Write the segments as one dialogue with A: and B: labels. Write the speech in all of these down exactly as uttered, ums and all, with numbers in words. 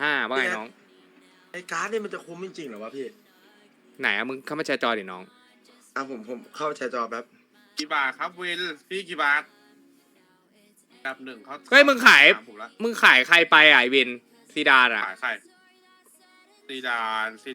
A: ห้าว่าไงน้อง
B: ไอ้การ์ดเนี่ยมันจะคุ้มจริงๆเหรอวะพี่
A: ไหนอะมึงเข้ามาแชร์จอดิน้อง
B: อ่ะผมผมเข้าแชร์จอแป๊บ
C: กี่บาทครับเวลพี่กี่บาทดับหนึ่งเขา
A: เฮ้ยมึงขาย
C: ผมละ
A: มึงขายใครไปอ่ะไอวินซีดานอ่ะ
C: ขายใครซีดานซี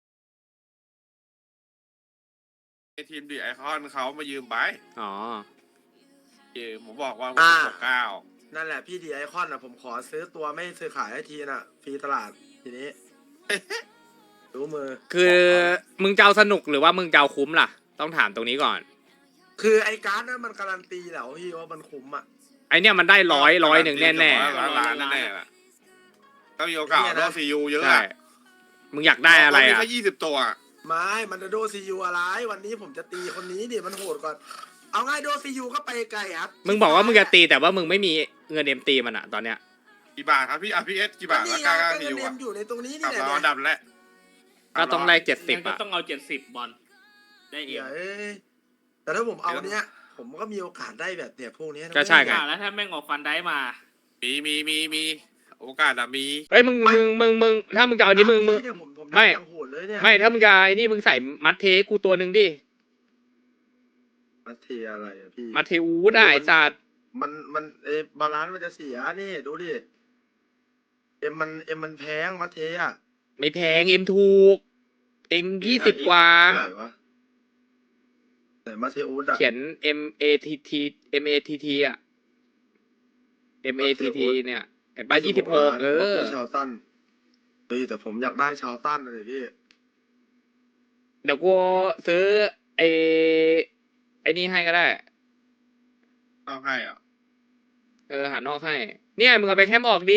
C: ทีมดีไอคอนเขามายืมไป
A: อ๋อ
C: ยืมผมบอกว่า
B: อ่า
C: หกเก้า
B: นั่นแหละพี่ดีไอคอนอ่ะผมขอซื้อตัวไม่ซื้อขายให้ทีน่ะฟรีตลาดทีนี้ รู้มือ
A: คือมึงจะเอาสนุกหรือว่ามึงจะเอาคุ้มล่ะ ต้องถามตรงนี้ก่อน
B: คือไอ้การ์ดนั้นมันการันตีแล้วพี่ว่ามันคุ้มอ่ะ
A: ไอเนี่ยมันได้ร้อยร้อยหนึ่งแน่แน่
C: ร้อยล้านแน่ๆล่ะก็มีโอกาสรอบซียูเยอะ
A: ใช่
C: อะ
A: มึงอยากได้อะไร
C: มี
A: อ่ะ
C: แค่ยี่สิบตัว
B: ไม่มันจะโดซียูอะไรวันนี้ผมจะตีคนนี้ดิมันโหดก่อนเอาง่ายโดซียูก็ไปไกลครับ
A: มึงบอกว่ามึงจะตีแต่ว่ามึงไม่มีเงินเอ็มตีมันอ่ะตอนเนี้ย
C: กี่บาทครับพี่อาร์พีเอสกี่บาท
B: นี่
C: แล้ว
B: ไง
C: กล้า
B: ก็
C: ซี
B: เงิน
C: ยู
B: เอ็
C: อะ
B: มอยู่ในตรงนี้
C: กลั
B: นี่
C: บ
B: แหละ
C: เราอันดับแรก
A: ก็ต้องได้เจ็ดสิบ
D: ก็
A: อ่ะ
D: ต้องเอาเจ็ดสิบบอลได้เอ
B: เดี๋
D: ง
B: ยวเอ้ยแต่ถ้าผมเอาเนี้ยผมก็มีโอกาสได้แบบเนี่ยพวกเนี้ยนะ
A: ก็ใช่ไง
D: อ่าแล้วถ้าแม่งออกฟันได้มา
C: มีมีมีมีโอกาสอะมี
A: เฮ้ยมึงมึงมึงมึงถ้ามึงจะเอาอันนี้มึงมึง
B: เนี่ยผมผม
A: ไม่
B: ยังโหดเลยเนี่ย
A: ไม่ถ้ามึงจะไอ้นี่มึงใส่มัดเทกูตัวหนึ่งดิ
B: มาเทอะไรอะพี่
A: มัดเทอูได้ไอ้สัตว์
B: มันมันเอะบาลานซ์มันจะเสียนี่ดูดิเอ็มมันเอ็มมันแพงมาเทอะ
A: ไม่แพงเอ็มถูกเอ็มยี่สิบกว่า
B: ไหนวะไหนมาเทอูดอะ
A: เขียน M A T T M A T T อ่ะ M A T T เนี่ยเห็นป่ะยี่สิบหกเออ
B: ชาวตันเฮ้ยแต่ผมอยากได้ชาวตันเลยพี่
A: เดี๋ยวกูซื้อไอ้ไอ้นี่ให้ก็ได้
C: เอาให้อ่ะ
A: เออหานอกให้ เนี่ยมึงเอาไปแคมออกดิ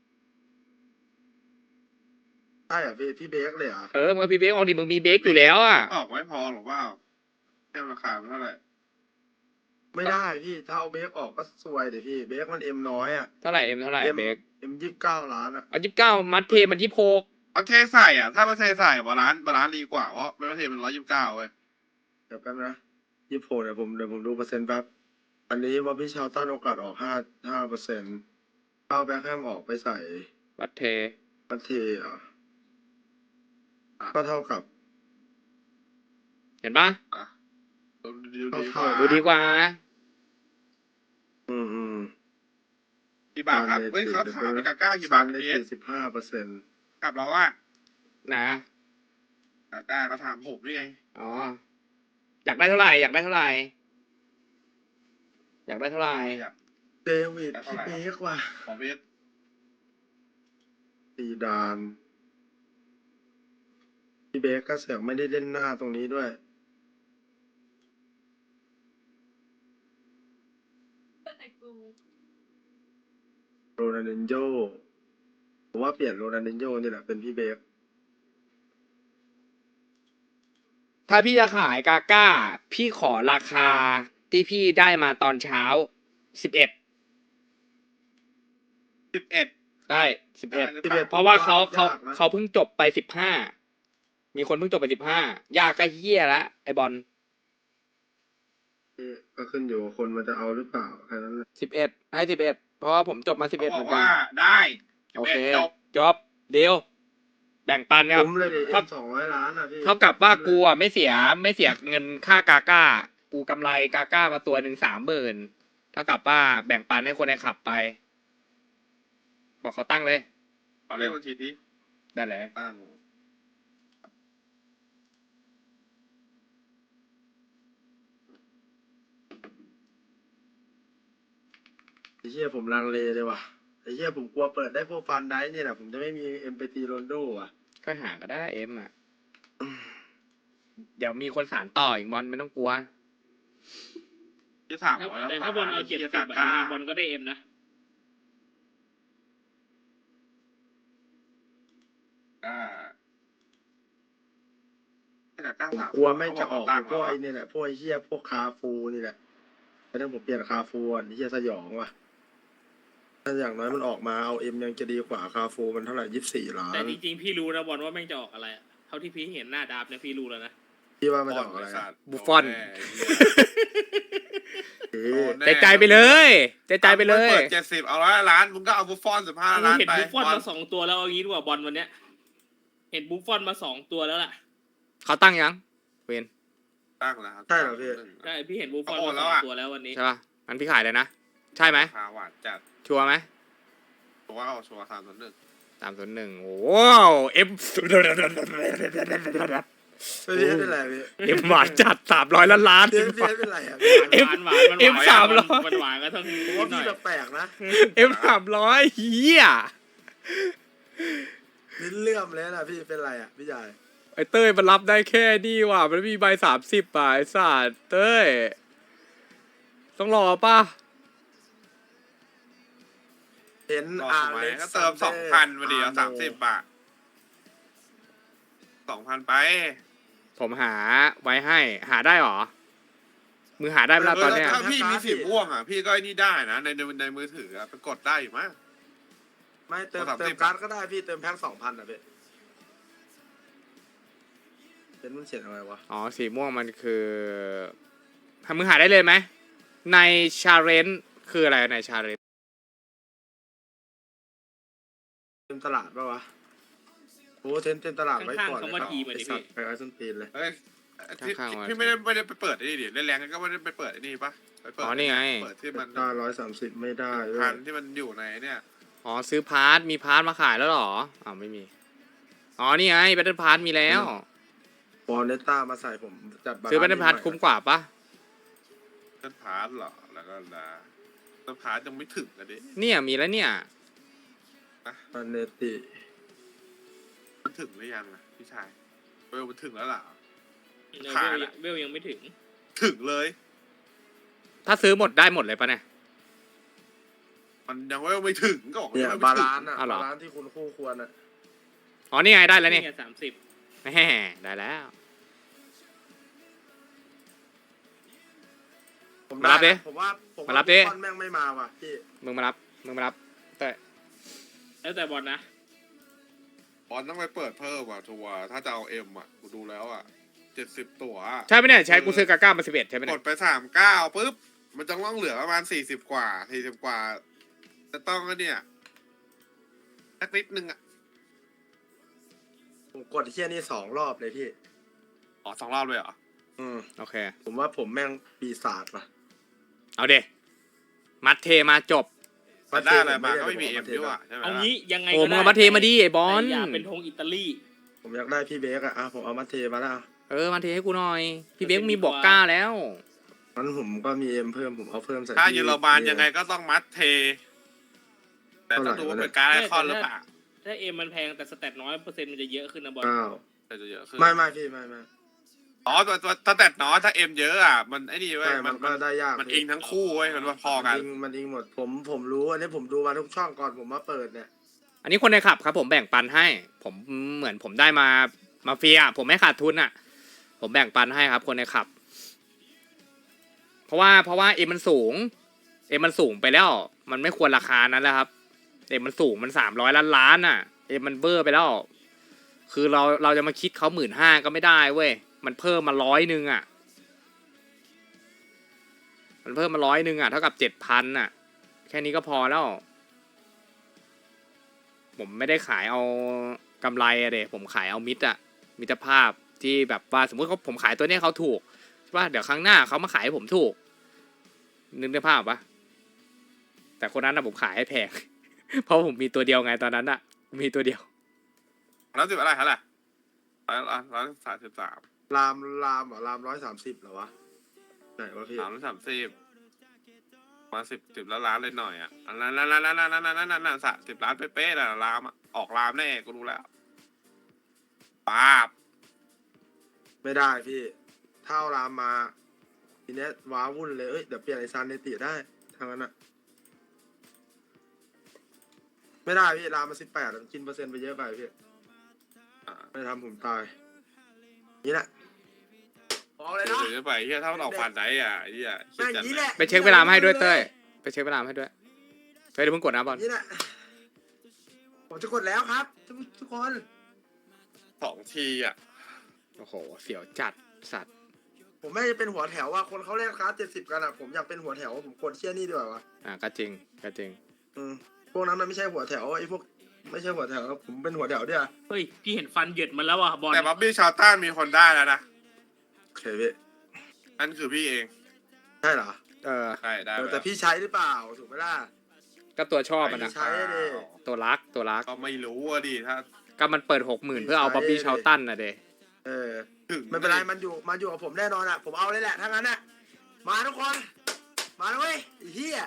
B: ใช่เหรอพี่พี่เบคเลยเหรอ
A: เออมึงเอาพีเบกออกดิมึงมีเบกอยู่แล้วอ่ะ
C: ออกไม่พอหรอกว่าแค่ราคามันเท่าไหร่
B: ไม่ได้พี่ถ้าเอาเบคออกก็ซวยเดี๋ยวพี่เบคมันเอ็มน้อยอะ
A: เท่าไหร่เอ็มเท่าไหร่
B: เอ็ม
A: เบก
B: เอ็มยี่สิบเก้าล้านอะ
A: เอายี่สิบเก้ามัดเทมันยี่สิบหก
C: เอาเทใส่อ่ะถ้าไม่เทใส่บาลานซ์บาลานซ์ดีกว่าเพราะไม่เทมันร้อยยี่สิบเก้าเว้ย
B: เดี๋ยวแป๊บนะยี่สิบหกเดี๋ยวผมเดี๋ยวผมดูเปอร์เซ็นต์แป๊บอันนี้ว่าพี่ชาวตันโอกาสออกห้าห้าเปอร์เซ็นต์เอาแบคแฮมออกไปใส่
A: มัดเท
B: มาเทอ่ะก็เท่ากับ
A: เห็นปะ
C: อ่ะดูดีดีกว่า
A: ดูดีกว่า
B: อืมอืม
C: กี่บาทครับเฮ้ยเขาถามกาก้ากี่บาท
B: ได้
C: เอส
B: สี่สิบห้าเปอร์เซ็นต์
C: กับเราว่า
A: นะ
C: กาก้าก็ถามผมนี่ไง
A: อ๋ออยากได้เท่าไหร่อยากได้เท่าไหร่อยากได้เท่าไหร่
B: เดวิดพี่เบคว่ะ
C: ของเอส
B: ซีดานพี่เบคก็เสือกไม่ได้เล่นหน้าตรงนี้ด้วยโรนัลดินโญ่ผมว่าเปลี่ยนโรนัลดินโญ่นี่แหละเป็นพี่เบค
A: ถ้าพี่จะขายกาก้า พี่ขอราคาที่พี่ได้มาตอนเช้าสิบเอ็ด
C: สิบเอ็ด
A: ได้สิบเอ็ด
B: สิบเอ็ด
A: เพราะว่าเขาเขา
B: ยกนะ
A: เขาเพิ่งจบไปสิบห้ามีคนเพิ่งจบไปสิบห้ายากก็เฮี้ยละไอบอล
B: ก็ขึ้นอยู่กับคนมันจะเอาหรือเปล่าแค่นั้นแหละ
A: สิบเอ็ดให้สิบเอ็ดเพราะว่าผมจบมาสิบเอ็ด
C: เขา
A: เห
C: บ
A: มื
C: อ
A: อก นกัน
C: ว่าได้
A: โอเค
C: จบ
A: จบเดียวแบ่งปันครับ
B: คุ้มเลยดิ
A: ครั
B: เอ็
A: บ
B: มสองร้อยล้านอ่ะพี่
A: เท่ากับว่ากูอ่ะไม่เสียไม่เสียเงินค่ากาก้า กูกำไรกาก้ามาตัวหนึ่งสามหมื่นเท่ากับว่าแบ่งปันให้คนในขับไป บอกเขาตั้งเลย
C: ขอเลขบัญชีที่
A: ได้เลย
C: ตั้ง
B: ไอ้เหี้ยผมลังเลเลยว่ะไอ้เหี้ยผมกลัวเปิดได้พวกฟันได้เนี่ยแหละผมจะไม่มีเอ็มไปตีโรนโดอ่ะ
A: ก็หาก็ได้เอ็มอ่ะ เดี๋ยวมีคนสารต่ออีกบอลไม่ต้องกลัว
C: ที่สาม
D: ถ้า
C: ร้อยแล้ว
D: แต่ถ้าบอลเอาเจ็ดสิบ
C: กาก้า
D: บอลก็ได้เอ็มนะ
C: ก้า กาก้า
B: ผม
C: สาม
B: กลัวไม่งจะออก
C: ตั้ง
B: พวกไอ้นี่แหละพวกไอ้เหี้ยพวกคาฟูนี่แหละแต่ถ้าผมเปลี่ยนคาฟูอ่ะไอ้เหี้ยสยองว่ะถ้าอย่างน้อยมันออกมาเอาเอ็มยังจะดีกว่าคาฟูมันเท่าไหร่ยี่สิบสี่ล้า
D: แต่
B: น
D: จริงๆพี่รู้นะบอลว่าแม่งจะออกอะไรอะเท่าที่พี่เห็นหน้าดาบเนี่ยพี่รู้แล้วนะ
B: พี่ว่ามันจะออกอะไร
C: สัตว์
A: บุฟฟอน
C: โดแน่ไเหี้ย
B: เอ๊ะ
A: ใจใจไปเลยใจใจไปเลย
C: เปิดเจ็ดสิบเอาร้อยล้านมึงก็เอาบุฟฟอนสิบห้า
D: กู
C: ล้าน
D: เห็น
C: ไป
D: บุฟฟอนมาสองตัวแล้วเอางี้ดีกว่าบอลวันเนี้ย เห็นบุฟฟอนมาสองตัวแล้วล่ะ
A: เขาตั้งยังเวน
C: ตั้งแล้วครับ
B: ใช่เหรอพี่
D: ใช่พี่เห็นบุฟฟอน
C: โอ้
D: มา
C: แล้
D: ส
C: ว
D: อง
C: อะ
D: ตัวแล้ววันนี้
A: ใช่ป่ะงั้นพี่ขายเลยนะใช่ไหม
C: ราคาหวานจัด
A: ชัวร์ไหม
C: ตัวว่าเอาชัวร์สามส่วนหนึ่ง
A: สามศูนย์หนึ่งโอ้เอ็ม
B: ไม่พี่เป็นไรพี่
A: เอ็มหวานจัดสามร้อยล้านล้าน
B: พี่พี่เป็นไรอ่ะ
A: เอ็ม
D: หวานหวานมัน
A: เอ็ม
D: หวาน
A: สามร้อย
D: มันหวานก็ต้อง
B: ผม
D: นิ
B: ว่า
D: ดหน่
B: พี่
D: อย
B: แปลกๆนะ
A: เอ็มสามร้อยเฮีย
B: ลิ้นเลื่อมเลยนะพี่เป็นไรอ่ะพี่ใหญ่
A: ไอเต้ยมันรับได้แค่นี่ว่ะมันมีใบสามสิบป่ะไอสัตว์เต้ยต้องรอป่ะ
B: เห็น
C: รอ
B: อา
C: ทำไม
B: เล็ก
C: ก็เติมสองพันมาดีเอาสามสิบบาทสองพันไป
A: ผมหาไว้ให้หาได้หรอมือหาได้เวลาตอนเนี้ย
C: ถ้าพี่มีสีม่วงอ่ะพี่ก็ไอ้นี่ได้นะในในในมือถืออะไปกดได้อยู่มั้ง
B: ไม่เติม
C: สามสิบ
B: เติมการ์ดก็ได้พี่เติมแพ็คสองพันอ่ะพี่เห็นมันเขียนอะไรวะ
A: อ๋อสีม่วงมันคือทำมือหาได้เลยไหมในชาเลนจ์คืออะไรในชาเลนจ์
B: เต็มตลาดปะวะโอ้เต็มเต็มตลาดไว้ก่อน
D: ข้างๆคำว่าทีมาดิ
B: ไอ้สัต
D: พี่
B: ว์ไปไว้ส้นตีนเลย
C: เอ้ยที่
A: ข้างๆ
C: พี่ไม่ได้ไม่ได้ไปเปิดไอ้นี่ดิเล่นแรงก็ไม่ได้ไปเปิดไอ้นี่ปะไปเปิด
A: อ๋อนี่ไง
C: เปิดที่มัน
B: ได้ร้อยสามสิบไม่ได้เว้
C: พั
B: ย
C: นที่มันอยู่ในเนี่ย
A: อ๋อซื้อพาร์ทมีพาร์ทมาขายแล้วเหรออ๋อไม่มีอ๋อนี่ไงแบตเทิลพาร์ทมีแล้ว
B: บอลเนต้ามาใส่ผมจัดบาลานซ์
A: ซื้อแบตเทิลพาร์ทคุ้มกว่าปะ
C: เต้นพาร์ทเหรอแล้วก็นะเต้นพาร์ทยังไม่ถึงกันดิ
A: เนี่ยมีแล้วเนี่ย
B: อันเนติ
C: มันถึงหรือยังนะพี่ชายเวลมันถึงแล้วเหรอ
D: เออ
C: ขาด
D: เวล
C: อะ
D: เวลยังไม่ถึง
C: ถึงเลย
A: ถ้าซื้อหมดได้หมดเลยปะเนี่ย
C: มันยังเวลไม่ถึงก็บอก
B: เนี่ย
C: ยัง
B: บา
C: ไม่ถึง
B: ลานซ์อ่ะ
A: อ้าวเหรอ
B: บาลานซ์ที่คุณคู่ควรอ่ะ
A: อ๋อนี่ไงได้แล้วนี่
D: สามสิบ
A: แหมได้แล้ว
B: ผม
A: มารับดิ
B: ผมว่าผม
A: มารับดิ
B: บอลแม่งไม่มาว่ะพี่
A: มึงมารับมึงมารับแต่
D: แล้วแต่บอลนะ
C: บอลต้องไปเปิดเพิ่มว่ะทัวร์ถ้าจะเอาเอ็มอ่ะกูดูแล้วอ่ะเจ็ดสิบตัวอะ
A: ใช่ไหมเนี่ยใช้กูซื้อกาก้ามาสิบเอ็ดใช่ไหม
C: ก
A: เนี่
C: ด
A: ย
C: ไปสามเก้าปุ๊บมันจะต้องเหลือประมาณสี่สิบกว่าสี่สิบกว่าจะต้องก็เนี่ยสักนิดนึงอ่ะ
B: ผมกดเที่ยนี่สองรอบเลยพี่
C: อ๋อสองรอบเลยเหรอ
B: อืม
A: โอเค
B: ผมว่าผมแม่งปีศาจว่ะ
A: เอาเดมัดเทมาจบ
C: แต่ได้อะไรมาก็ไม่มี
B: ผ
C: เอ็ม
B: ด้
C: ด้วยว่ะใช่ไหม
D: เอา
C: ล่ะ
D: งี้ยังไง
A: โอ้
D: ก็
A: มึง
D: ได้
A: เอามาเทมาดิไอ้บอล
D: แต่อย่าเป็นธงอิตาลี
B: ผมอยากได้พี่เบคอะอ่ะผมเอามาเทมาแล้ว
A: เออมาเทให้กูหน่อย พี่เบ๊กมีบอกก้าแล้ว
B: งั้นผมก็มีเอ็มเพิ่มผมเอาเพิ่มใส่
C: ถ้า
B: ที่
C: เยอรมันยังไงก็ต้องมัดเท แต่ต้องดูว่าเป็นการไอคอนหรือเปล่า
D: ถ้าเอ็มมันแพงแต่สแตทน้อยเปอร์เซ็นต์มันจะเยอะขึ้นนะบอล
B: เก้า
C: แต่จะเยอะขึ้น
B: ไม่ไม่พี่ไม่ไม่
C: อ๋อตัวตัวถ้าแต่น้อยถ้าเอ็มเยอะอ่ะมันไอ้นี่เว้ย
B: ใช่
C: มั
B: มัน นก็
C: มัน
B: ได้ยาก
C: มัน
B: พี่
C: อิงทั้งคู่เว้ยมันว่าพอกัน
B: มันอิงมันอิงหมดผมผมรู้อันนี้ผมดูมาทุกช่องก่อนผมมาเปิดเนี่ย
A: อันนี้คนในขับครับ ผมแบ่งปันให้ ผมเหมือนผมได้มามาเฟีย ผมไม่ขาดทุนอ่ะ ผมแบ่งปันให้ครับ คนในขับ เพราะว่าเพราะว่าเอ็มมันสูง เอ็มมันสูงไปแล้ว มันไม่ควรราคานั้นแล้วครับ เอ็มมันสูงมันสามร้อยล้านล้านอ่ะ เอ็มมันเบอร์ไปแล้ว คือเราเราจะมาคิดเขาหมื่นห้าก็ไม่ได้เว้ย มันเพิ่มมาร้อยหนึ่งอ่ะ มันเพิ่มมาร้อยหนึ่งอ่ะเท่ากับเจ็ดพันอ่ะ แค่นี้ก็พอแล้ว ผมไม่ได้ขายเอากำไรอะเดผมขายเอามิตรอะมิตรภาพที่แบบว่าสมมติเขาผมขายตัวเนี้ยเขาถูกว่าเดี๋ยวครั้งหน้าเขามาขายให้ผมถูกนึกในภาพปะแต่คนนั้นนะผมขายให้แพง เพราะผมมีตัวเดียวไงตอนนั้นอะมีตัวเดียว
C: แล้วสิบอะไรฮะล่ะร้อยร้อยสามสิบสาม
B: รามรามเหรอรามร้อยสามสิบเหรอวะไหนวะพี่
C: สามร้อยสามสิบมาสิบสิบล้านล้านเลยหน่อยอ่ะอันนั้นนั่นนั่นนั่นนั่นนั่นนั่นนั่นสะสิบล้านเป๊ะๆน่ะรามอ่ะออกรามแน่กูรู้แล้วป้าบ
B: ไม่ได้พี่เท่ารามมาทีเนี้ยว้าวุ่นเลยเอ้ยเดี๋ยวเปลี่ยนไอซานเนติได้ทางนั้นอะไม่ได้พี่รามมาสิบแปดกินเปอร์เซ็นต์ไปเยอะไปพี่
C: อ่า
B: ไม่ทำผมตายนี่แหละบอกเลย
C: เดี๋ยว
B: นะ
C: เดี๋ยวไปเฮียถ้ามันออกฟันไหนอ่ะไอ้เฮียคิด
B: แม่ง
C: จัด
B: นี้
C: เล
B: แห
C: ย
B: ละ
A: ไปเช็คเวลามาให้ด้วยเต้ยไปเช็คเวลามาให้ด้วยเฮ้ยเดี๋ยวมึงกดนะบอล
B: นี่แหละผมจะกดแล้วครับทุกทุกคน
C: สองทีอ่ะ
A: โอ้โหเสียวจัดสัตว์
B: ผมไม่ได้เป็นหัวแถวว่าคนเขาเล่นคลาสเจ็ดสิบกันอ่ะผมอยากเป็นหัวแถวผมกดเชี่ยนี่ดีกว่าวะ
A: อ่าก็จริงก็จริง
B: อืมพวกนั้นมันไม่ใช่หัวแถวไอ้พวกไม่ใช่หัวแถวผมเป็นหัวแถวเดียว
D: เฮ้ยพี่เห็นฟันเหยิดมันแล้วอ่ะบอล
C: แต่บ๊อบบี้ชาวต้านมีคนได้แล้วนะ
B: โอเคพี่
C: นั่นคือพี่เอง
B: ใช่เหรอ
A: เออ
C: ใช่ได้
B: เออ
C: ล้ว
B: แต่พี่ใช้หรือเปล่าถูกไหมล่ะ
A: ก็ตัวชอบมันนะ
B: ใช้ดิ
A: ตัวรักตัวรัก
C: ก็ไม่รู้อะดิถ้า
A: ก็มันเปิดหกหมื่นเพื่อเอาบ๊อบบี้ชาวตันนะเด
B: เออ
C: ถึง
B: ไม่เป็นไรมันอยู่มาอยู่กับผมแน่นอนอ่ะผมเอาเลยแหละถ้างั้นอ่ะมาทุกคนมาเลยเว้ยไอ้เหี้ย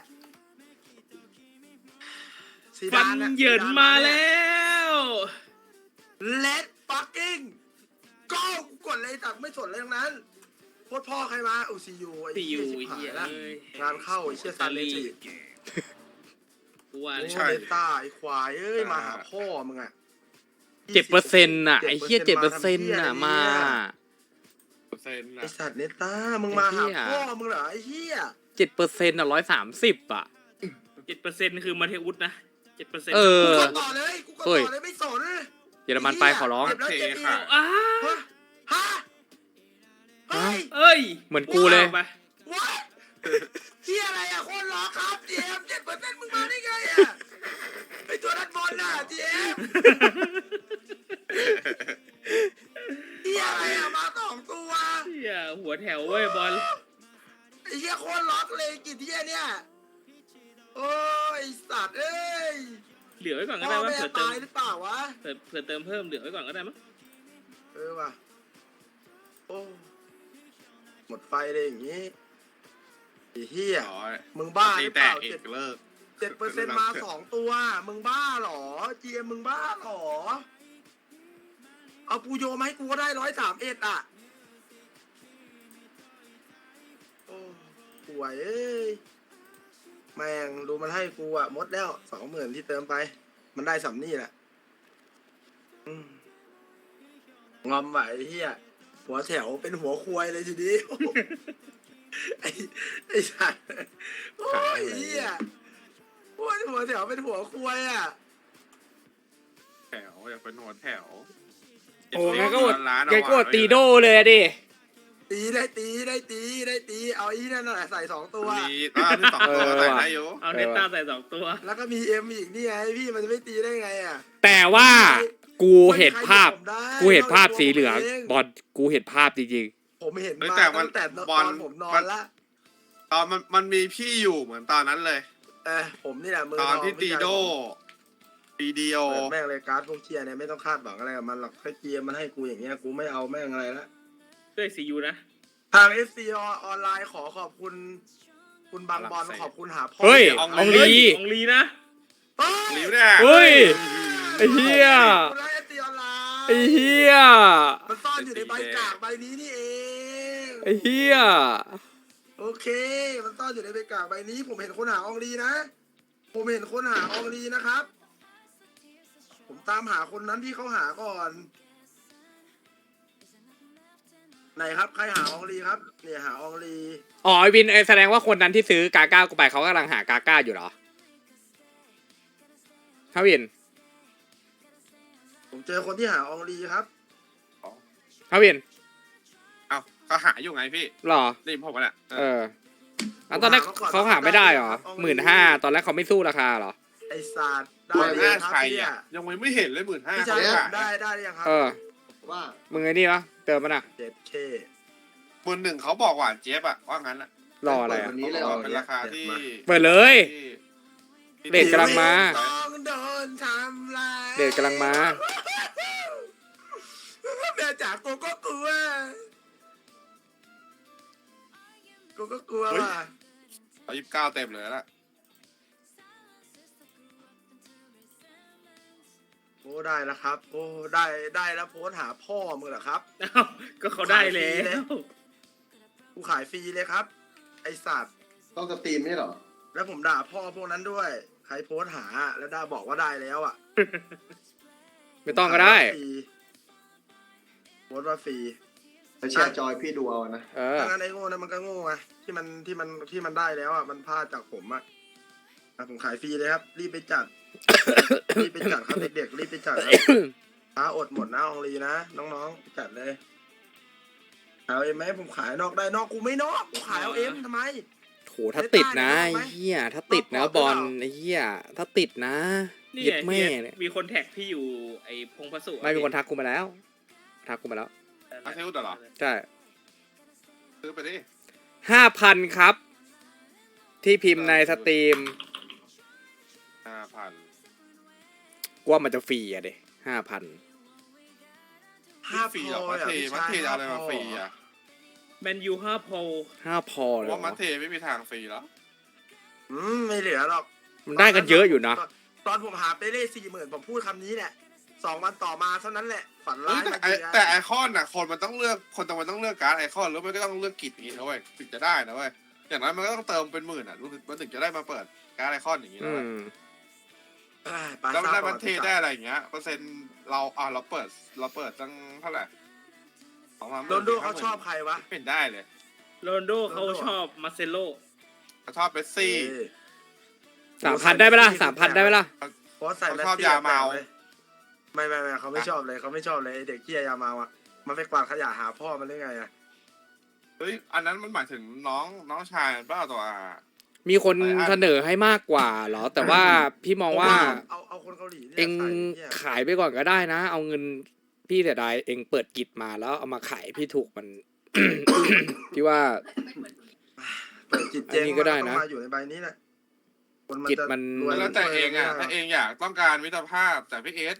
B: ซี
D: ฟั
B: ดาน น่ะ
D: เหยินมาแล้ว
B: เลดฟักกิ้งก็กดเลยตักไม่สนเลยทั้งนั้นโคตรพ่อใครมาอุซียูไอ้
D: ตีอ
B: เหี้ย
D: ยู่
B: ชิบหา
D: เฮี
B: ย
D: ย
B: ละ
D: เอ้ย
B: งานเข้าไอ้เชี่ยซันเลจิ
D: กูว่า
B: โอ้
D: แล้ว
B: เดต้าไอ้ควายเอ้ยมาหาพ่อมึงอ่ะ
A: เจ็ดเปอร์เซ็นต์น่ะไอ้เหี้ยเจ็ดเปอร์เซ็นต์น่ะมา
C: เปอร์เซ็นต์
B: ไอ้
C: นะ
B: สัตว์เนต้ามึงมาหา
A: ไอ้เหี้ย
B: พ่อมึงเหรอไอ้เหี้ย
A: เจ็ดเปอร์เซ็นต์อ่ะร้อยสามสิบอ่ะ
D: เจ็ดเปอร์เซ็นต์คือมาเทอุสนะเจ็ดเปอร์เซ็นต์
A: เอ
B: กู
A: อ
B: กดต่อเลยกูกด
A: เฮ้ย
B: ต่อเลยไม่สน
A: เยอรมันไปขอร้อง
B: เจ็บแล้วเจ็บอีก
D: อ้า
B: ฮะฮะเฮ้ย
D: เอ้ย
A: เหมือนกูเลย
D: ไป
B: what เหี้ยอะไรอ่ะโคนร้องครับเจมเจ็ดเปอร์เซ็นต์มึงมาได้ไงอ่ะไอตัวนัดบอลน่ะเจมเหี้ยอะไรอ่ะมาสองตัว
D: เฮียหัวแถวเว้ยบอล
B: ไอ้เหี้ยโคนล็อกเลยกี่เหี้ยเนี่ยโอ้ยไอ้สัตว์เอ้ย
D: เหลือไว้ก่อนก็
B: พ่
D: ได้
B: อ
D: มั้ง
B: แม่
D: เผื่อเติ
B: ตาม ยหรือเปล่าวะ
D: เผื่อเผื่อเติมเพิ่มเหลือไว้ก่อนก็ได้มั้ง
B: เออว่ะโอ้หมดไฟเลยอย่างงี้ไอ้เหี้ย
C: อ๋อ
B: มึงบ้าห
C: ตี
B: รือเป
C: แต
B: ล่าก
C: อี
B: เจ็ด
C: กเลิก
B: เจ็ดเปอร์เซ็นต์มาสองตัว มึงบ้าเหรอเจียมมึงบ้าเหรอ เอาปูโยมาให้กูก็ได้ร้อยสามเอ็ดอ่ะ โอ้ป่วยเอ้ย แม่งดูมันให้กูอ่ะหมดแล้วสองหมื่นที่เติมไป มันได้สำนี่แหละอืมงอมไหวไอ้เฮียหัวแถวเป็นหัวควายเลยทีนี้ ไอ้ไอ้สัตว์โอ้ยเฮียโอ้ยหัวแถวเป็นหัวควายอ่ะ
C: แถวอยากเป็นหัวแถว
A: โอ้งั้นก็อด
C: ร้าน
A: แกก็อดตีโดเลยอะดิ
B: ตีได้ตีได้ตีได้ตี เอาอีนั่นน่ะใส่สองตัว
C: มีอ่าที่สองตัวใส่ได้อยู่
D: เอาเนต้าใส่สองตัว
B: แล้วก็มีเอ็มอีกนี่ไงพี่มันจะไม่ตีได้ไงอ่ะ
A: แต่ว่ากูเห็นภาพ
B: ไม่มีใครผมได้
A: กูเห็นภาพสีเหลือง
B: นกจากตัวผม
A: บอลกูเห็นภาพจริง
B: ผมเห็น
C: เฮ้ย
B: มา
C: แต่มัน
B: ตั้งแต่ต
C: บอ
B: อ
C: ล
B: นผมนอ
C: มัน น
B: ละ
C: ตอนมันมันมีพี่อยู่เหมือนตอนนั้นเลย
B: เออผมนี่แหละมือ
C: ตอน
B: ทง
C: ที่ตีโดตีเดียว
B: เปิดแม่งเลยการ์ดพวกเชียร์เนี่ยไม่ต้องคาดหวังอะไรกับมันหรอกแค่เกียร์มันให้กูอย่างเงี้ยกูไม่เอาแม่งอะไรละ
D: ด้วยซียูนะ
B: ทาง เอฟ ซี ออนไลน์ขอขอบคุณ คุณบางบอลขอบคุณหาพ่อ
A: ๆ เฮ้ย
C: ออง
A: ออง
C: ลี
A: ลี
D: ของลีนะ
B: เฮ้ย
C: หลิวเนี่ย
A: เฮ้ย ไอ้เหี้ย
B: คุณไลน์ เอฟ ซี ออนไลน์
A: ไอ้เหี้ย
B: มันซ่อนอยู่ในใบกากใบนี้นี่เอง
A: ไอ้เหี้ย
B: โอเค มันซ่อนอยู่ในใบกากใบนี้ ผมเห็นคนหาอองลีนะ ผมเห็นคนหาอองลีนะครับ ผมตามหาคนนั้นที่เขาหาก่อน ไหนครับใครหาอองลีครับ เนี่ยหาอองลี
A: อ๋อไอวินเอ้ยแสดงว่าคนนั้นที่ซื้อกาก้ากูไปเขากำลังหากาก้าอยู่เหรอฮะวิน
B: ผมเจอคนที่หาอองลีครับ
A: ฮะวิน
C: เอ้าก็หาอยู่ไงพี่
A: หรอ
C: นี่ผมว่าเนี่ย
A: เออแล้วตอนแรกเขาหาไม่ได้เหรอหมื่นห้าตอนแรกเขาไม่สู้ราคาเหรอ
B: ไอศาสตร์ได้
C: หมื่น
B: เลย
C: ห้า
B: ครับ
C: ใคร
B: พี่
C: อ่ะ
B: อะ
C: ยังไม่เห็นเลยหมื่นห้า
B: พี่ชายผมได้ได้หรือยังครับ
A: เออ
B: ว่า
A: มึงไอ้นี่วะเติมมันอะ
B: เจ็ดเค
C: หมื่นหนึ่งเขาบอกหวานเจี๊ยบอะว่างั้นอะ
A: รออะไรอะ
B: วันนี้เลยเหรอ
C: เป็นราคาที่
A: เปิดเลย
C: ที่
A: เด็กกำลังมา
B: ต้องโดนทำลาย
A: เด็กกำลังมา
B: แม่จ๋ากูก็กลัวกูก็กลัวว่ะ
C: เอายี่สิบเก้าเต็มเลยละ
B: โอ้ได้แล้วครับ โอ้ได้ได้แล้วโพสต์หาพ่อมึงเหรอครับ
D: เอ้าก็เขาได้แล้
B: ขายฟรีเลย
D: ว
B: กูขายฟรีเลยครับ ไอสัตว์
E: ต้องสตรีมไม่เหรอ
B: แล้วผมด่าพ่อพวกนั้นด้วย ใครโพสต์หาแล้วด่าบอกว่าได้แล้วอ่ะ
A: ไม่ต้องก็ได้
B: ฟรีโพสต์ว่าฟรี
E: แล้วแชร์จอยพี่ดูเอานะ
A: เออ
B: ถ้างั้นไอ้โง่นั้นมันก็โง่ไงที่มันที่มันที่มันได้แล้วอ่ะมันพลาดจากผมอ่ะอ่ะผมขายฟรีเลยครับ รีบไปจัด รีบไปจัดครับเด็กๆรีบไปจัดครับ ฟ้าอดหมดนะอองลีนะน้องๆจัดเลยายเอาเอ็มไหมผมขายนอกได้นอกกูไม่นอกกูขายเอาเอ็มทำไม
A: โหถ้าติดนะ
B: ได้
A: ไอ้
B: ไหม
A: เหี้ยถ้าติดนะ
B: รอบ
A: บอล
B: ก่อน
A: ไอ้เหี้ยถ้าติดนะ
D: นี่
A: เย็ด
D: ไง
A: แม่
D: ที่
A: เนี่ย
D: มีคนแท็กพี่อยู่ไอ้พงพระสุ
A: ไม่มีคนทักกูมาแล้ว ทักกูมาแล้ว
C: อาเทลเหรอ
A: ใช่
C: ซื้อไปดิ
A: ห้าพันครับ ที่พิมพ์ในสตรีม
C: ห้าพัน
A: กว่ามันจะฟรีอะเด็ห้าพัน
B: ห้า
C: ฟรี
B: พ
C: เหรอ
B: อ
C: มั
B: อ่ะ
C: เท
B: พี่
C: มั
B: ชาย
C: เทเอาอะไรมาฟรี
B: ห้พ
C: อ่ะ
D: แมนยูห้าโพล
A: ห้าพอ
C: เพ
A: เลย
C: ราะ
A: เหร
C: ว่ามั
A: อ
C: เทไม่มีทางฟรีแล้ว
B: อืมไม่เหลือหรอก
A: มันได้กันเยอะอยู่นะ
B: ตตอนผมหาไปเล่สี่หมื่นผมพูดคำนี้แหละสองวันต่อมาเท่านั้นแหละ ฝัน
C: เฮ้
B: ร้าย ย
C: แต่
B: มา
C: ไอ
B: เยือน
C: แต่ไอคอนน่ะคนมันต้องเลือกคนต้องมันต้องเลือกการ์ดไอคอนแล้วมันก็ต้องเลือกกิจอย่างนี้นะเว้ยถึงจะได้นะเว้ยอย่างนั้นมันก็ต้องเติมเป็นหมื่นอ่ะรู้สึกมันถึงจะได้มาเปิดการ์ดไอคอนอย่างนี้
A: อื
C: นะเว้ย
A: ม
B: เอ้ยปา
C: แล้วมัน
B: ซ่า
C: ได้
B: ก่
C: มันเทได้อะไรอย่างเงี้ยเปอร์เซ็นต์เราอ่ะเราเปิดเราเปิดตั้งเท่าไหร่สองพัน
B: โรนลโดเขาชอบใครวะ
C: เป็นได้เลย
D: โรนลโดเขาชอบมาเซโล
C: เขาชอบเบสซี่
B: เออ
A: สามพันได้ไหมล่ะสามพันได้ไหมล่ะ
B: เพราะใส่
C: เขา
B: แมส
C: ชอบ
B: ซี่
C: ยาเมา
B: แปลกๆว้ยไม่ไม่ไม่เขาไม่ชอบเลยเขาไม่ชอบเลยไอ้เด็กขี้ยาเมาอ่ะมันไปกวาดขยะหาพ่อมันได้ไงอ่ะ
C: เฮ้ยอันนั้นมันหมายถึงน้องน้องชายมันเปล่าตัวอ่ะ
A: มีคนเสนอให้มากกว่าเหรอ แต่ว่าพี่มองว่า
B: เอาเอาคนเกาหลีนี่ย
A: เอง
B: ใส่เนี่ย
A: ขายไปก่อนก็ได้นะ เอาเงินพี่เสียดายเองเปิดกิจมาแล้วเอามาขายพี่ถูกมัน พี่ว่า
B: เปิดจิตเจง
A: อันนี้ก็ได้นะ
B: มัต้องมาอยู่ในใบนี้แหละคน
A: จิต
B: จะ
A: มัน
B: รวย
C: แล้วแต่เองอ่ะ
B: รวย
C: ถ้าเองอยากต้องการมิตรภาพแต่พี่เอส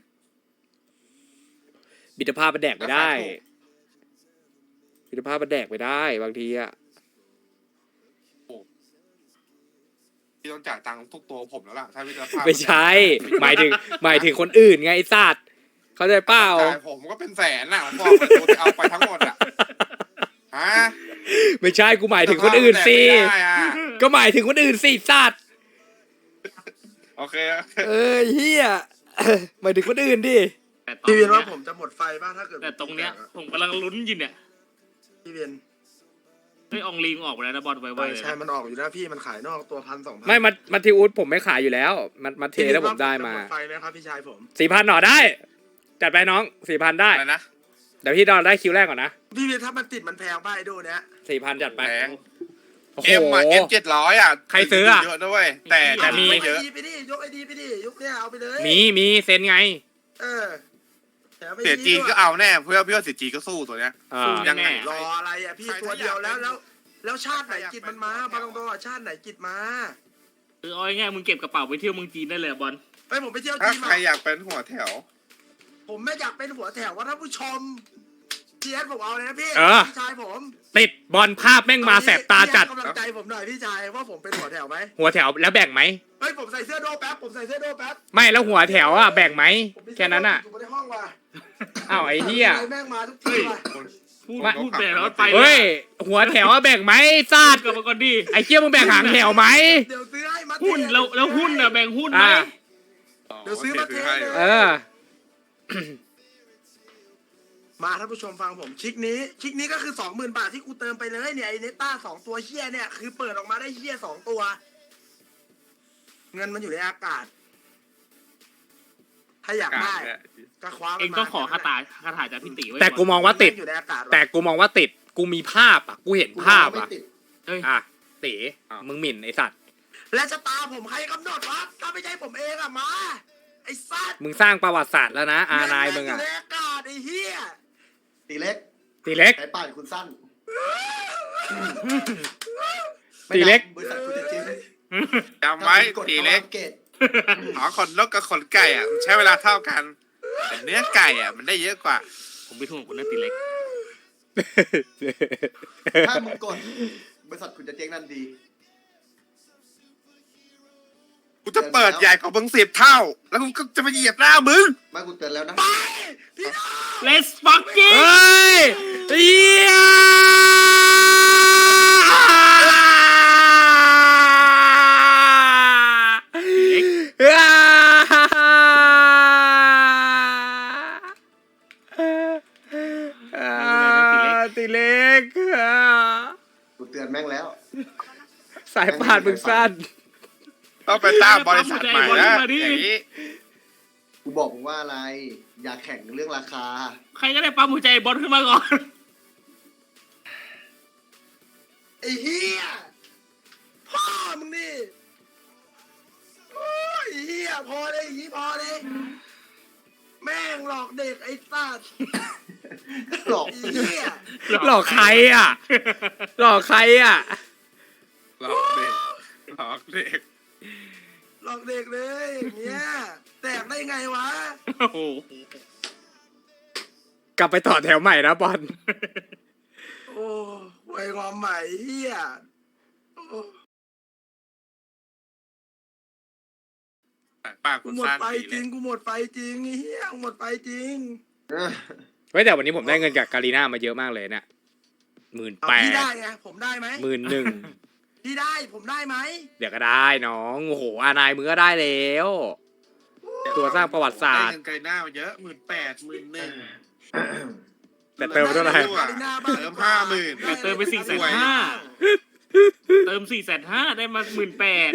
A: บิดภาพมันแดกไปได้
C: ราคาถูก
A: บิดภาพมันแดกไปได้บางทีอะ
C: ที่ต้องจ่ายตังค์ทุกตัวผมแล้วล่ะถ้ามิตรภาพ
A: ไม่ใช่ หมายถึง หมายถึงคนอื่นไงไอ้สัตว์เข้าใจเปล่า
C: จ่ายผมก็เป็นแสนน่ะผมบอกเลยตัวที่เอาไปทั้งหมดอ่ะฮะ
A: ไม่ใช่กูหมายถึงคนอื่นสิ
C: มิตรภาพมันแดกไม่ได้อ่ะ
A: ก็หมายถึงคนอื่นสิสัตว์
C: โอเค
A: เออเฮีย หมายถึงคนอื่นดิ
D: แต่ตอน
B: พี่เวียน
D: เนี้
B: ว่าย ผมจะหมดไฟบ้างถ้าเกิด
D: แต่ตรงเนี้ยผมกำลังลุ้นอยู่เนี่ย
B: พี่เวียน
D: ไอ้ยอองลีมออกไปแล้วนะบอลไว
B: เอ
D: ๆ
B: อ
D: เลย
B: ใช่
D: นะ
B: มันออกอยู่แล้วพี่มันขายนอกตัวพันสองพัน
A: ไม่มามาทิอุสผมไม่ขายอยู่แล้ว มันมาเทแล้วผมได้มา
B: จะหดไฟไหมครับพี่ชายผม
A: สี่พันหน่อได้ จัดไปน้องสี่พันได้
C: อะไรนะ
A: เดี๋ยวพี่ดอนได้คิวแรกก่อนนะ
B: พี่เวียนถ้ามันติดมันแพงป่ะไอ้ดูเนี้ย
A: สี่พันจัดไป
C: แพง
A: โอ้โห
C: เอ็มอ่ะเอ็มเจ็ดร้อยอ่ะ
A: ใครซื้ออ่ะ
C: เยอะด้วยแต่
A: แต่มี
C: ไม่
B: ย
C: เย
B: ก
C: อะ
B: ไอดีไปดิยกไอดีไปดิยกเนี่ยเอาไปเลย
A: มีมีเซ็นไง
B: เออแถมไอ
C: เสีย
B: ดี
C: จี
B: ด้วย
C: ก็เอาแน่เพื่อเพื่อเสียจีก็สู้ตัวเนี้ย
A: อ่า
C: ยังไง
B: รออะไรอ่ะพี่
C: ใคร
B: ตัวเดียวแล้ว
C: ใครอยากเป็น
B: แล้ว แล้วชาติไหนกิจมันมา
C: ใครอยากเป็น
B: บางตรงๆชาติไหนกิจมา
D: คือเอาง่ายๆมึงเก็บกระเป๋าไปเที่ยวเมืองจีนได้เลยอะบอล
B: ไปผมไปเที่ยว
C: ถ้า
B: จีน
C: ใคร
B: มา
C: อยากเป็นหัวแถว
B: ผมไม่อยากเป็นหัวแถวว่าท่านผู้ชมเจียนผมเอาเลยนะพี่
A: เออ
B: พี่ชายผม
A: ติดบอลภาพแม่งมาแสบตาจัด
B: พี่ให้กำลังใจผมหน่อยพี่ชายว่าผมเป็นหัวแถวไหม
A: หัวแถวแล้วแบ่งไหม
B: เฮ้ยผมใส่เสื้อโดแป๊บผมใส่เสื้อโดแป๊บ
A: ไม่แล้วหัวแถวอ่ะแบ่งไหม
B: ผมมี
A: แค่นั้นอ่ะ
B: เสื้โดอยู่ในห้องว่ะ
A: อ้าวไอ้เหี้ย
B: แม่งมาทุกทีว่ะ
D: พูด
A: ไม่
D: พูดไปแล้วไป
A: เฮ้ย หัวแถวอ่ะแบ่งไหมซา
D: พู
A: ด
D: ดกับมาก่อนดิ
A: ไอ้เกี้ยมึงแบ่งหางแถวไหม
B: เดี๋ยวซื้อให้มา
D: หุ้นแล้วแล้วหุ้นน่ะแบ่งหุ้นไหม
A: อ่า
B: เดี๋ยวซื้อมาเทเลย
A: เออ
B: มาท่านผู้ชมฟังผมคลิกนี้คลิกนี้ก็คือสองหมื่นบาทที่กูเติมไปเลยเนี่ยไอเนต้าสองตัวเฮี้ยเนี่ยคือเปิดออกมาได้เฮี้ยสองตัว เงินมันอยู่ในอากาศ ถ้าอยากได้ก็คว้ามัน
D: เอง
B: มา
D: ต้องขอคาถาคาถาจากพี่ติไว้
A: แต่กูมองว่าติด
B: อยู่ในอากาศ
A: แต่กูมองว่าติด กูมีภาพอ่ะ กูเห็นภาพ
E: ไม่
A: อ่ะ
E: ติด
D: เอ้ย
A: อ่ะตีมึงหมิ่นไอสัตว์
B: และชะตาผมใครกำหนดวะถ้าไม่ใช่ผมเองอะมาไอ้สัตว์
A: มึงสร้างประวัติศาสตร์แล้วนะ อานายมึง
B: อยู่
A: อ่ะ
B: ในอากาศไอ้เฮี้ย
E: ตีเล็ก
A: ตีเล็ก
E: สายป่านคุณสั้น
A: ตีเล็ก
E: บริษัทคุณจะเจ๊ง
C: จำไว้ตีเล็ก
E: เกต
C: หอขนนกกับขนไก่อ่ะมันใช้เวลาเท่ากันแต่เนื้อไก่อ่ะมันได้เยอะกว่า
D: ผมไปทุ่งคุณนั่นติเล็ก
E: ถ้ามึงกดบริษัทคุณจะเจ๊งนั่นดี
C: กูจะเปิดใหญ่กว่ามึงสิบเท่า แล้วกูก็จะมาเหยียบหน้ามึง
E: ไมากูเตือนแล้วนะ
B: พี่น้อง
D: Let's fucking
A: เฮ้ยเฮียตีเล็ก
E: กูเตือนแม่งแล้ว
A: สายพานมึงสั้น
C: ต้องไปตั้งบริษัทใหม่นะอย่างนี้
E: กูบอกมึงว่าอะไร อย่าแข่งเรื่องราคา
D: ใครก็ได้ปั๊มหัวใจบอลขึ้นมาก่อน
B: ไอ้เหี้ยพ่อมึงนี่โอ้ยไอ้เหี้ยพอเลยอย่างงี้พอเลยแม่งหลอกเด็กไอ้สัตว์
E: หลอก
B: ไอ้เหี้ย
A: หลอกใครอ่ะ หลอกใครอ่ะ
C: หลอกเด็กหลอกเด็ก
B: หลอกเด็กเลยอย่างเงี้ยแตกได้ไงวะ
D: โอ้โห
A: กลับไปต่อแถวใหม่นะบอล
B: โอ้หวยงอมใหม่เหี้ยโอ้
C: ปาก
B: กู
C: กู
B: หมด
C: สั้น
B: ไฟ
C: ดี
B: จ
C: เล
B: ริ
C: ย
B: งกูหมดไฟจริงไอ้เหี้ยกูหมดไฟจริง
E: เออ
A: เฮ้ยแต่วันนี้ผมได้เงินจากการีน่ามาเยอะมากเลยเนี่ยหมื่น
B: เอา
A: แป
B: พี่
A: ด
B: ได้ไงผมได้ไหม
A: หมื่นหนึ่ง
B: พี่ได้ผมได้ไหม
A: เดี๋ยวก็ได้น้อง โอ้โห อานายมึงก็ได้แล้ว ตัวสร้างประวัติศาสตร์
C: ได้เงินไกลหน้ามาเยอะหมื่นแปดหมื่นหนึ่ง
A: แต่เติมเท่าไหร่
C: เติมห้าหมื่น
D: แต่เติมไปสี่แสนห้าเติมสี่แสนห้าได้มาหมื่นแปด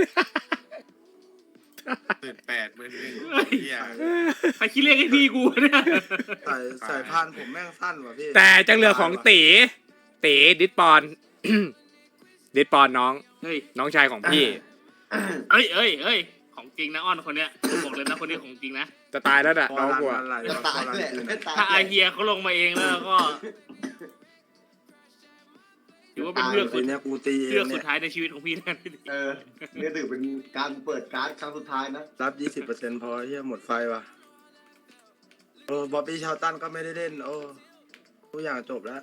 C: หมื่นแปดหมื่นหนึ่งเฮีย
D: ใครคิดเลขให้พี่กูเนี่ย
B: ใส่ใส่พานผมแม่งสั้นว่ะพี่
A: แต่จังเรือของตีตีดิสปอน ดิสปอนน้อง
D: เฮ้ย
A: น้องชายของพี่
D: เอ้ยเอ้ยเอ้ยของจริงนะอ้อนคนเนี้ยบอกเลยนะคนนี้ของจริงนะ
A: จะตายแล้วน่ะ
B: พ
A: น้
B: อ
A: อง
B: รัน
A: กลัว
B: มันไหล
E: จะ
B: วะ
E: ตาย
B: พอรัน
E: แหละ
B: คืน
E: ไม่ตาย
D: ถ้าอาเฮียเขาลงมาเองแล้วก็ถือว่าเป็นเรื่อง
B: ที
D: สุด
B: เนี้ยกูตีเอ
D: เรื่อง
B: ง
D: สุ
B: เนี่
D: ด
B: ย
D: ท้ายในชีวิตของพี่นั่น
E: เออเนี่ยถือเป็นการเปิดการ์ดครั้งสุดท้ายนะ
B: รับยี่สิบเปอร์เซ็นต์พอเหี้ยหมดไฟว่ะโอ้บ๊อบบี้ชาวตันก็ไม่ได้เล่น โอ้ทุกอย่างจบแล้ว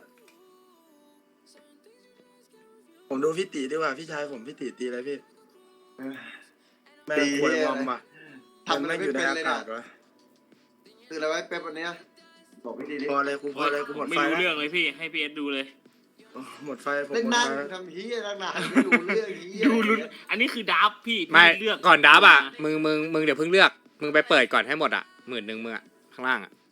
B: ผมดูพี่ตีดีกว่าพี่ชายผมพี่ตีตีอะไรพี่
E: เออ
B: แม่ง
E: ตี
B: ควย
E: เหี้ย
B: งอมว่ะ
E: ทำอะไร
B: แม่งอยู่ใน
E: ไม่เป็นเลย
B: อา
E: นะ
B: กาศวะ
E: คืออะไรไว้เป๊ปวันเนี้ยบอกพี่ดีดิ
B: พอเลยกูพอเลยกูหมด
D: ไม่
B: ไฟ
D: รู้
B: แล้ว
D: เรื่องเลยพี่ให้พี่เอสดูเลย
B: โอ้หมดไฟผม
E: เล่น
B: หมด
E: นั่ง
B: ไฟแล้ว
E: ทำเฮียนั่งนานไม่รู้เรื่องเฮีย
D: ดูลุ้นอันนี้คือดับพี่
A: ไม่
D: พี่เลือก
A: ก่อนดับอ่ะ มึงมึงมึงเดี๋ยวเพิ่งเลือก มึงไปเปิดก่อนให้หมดอ่ะหมื่นหนึ่งมึงอ่ะ ข้างล่างอ่ะ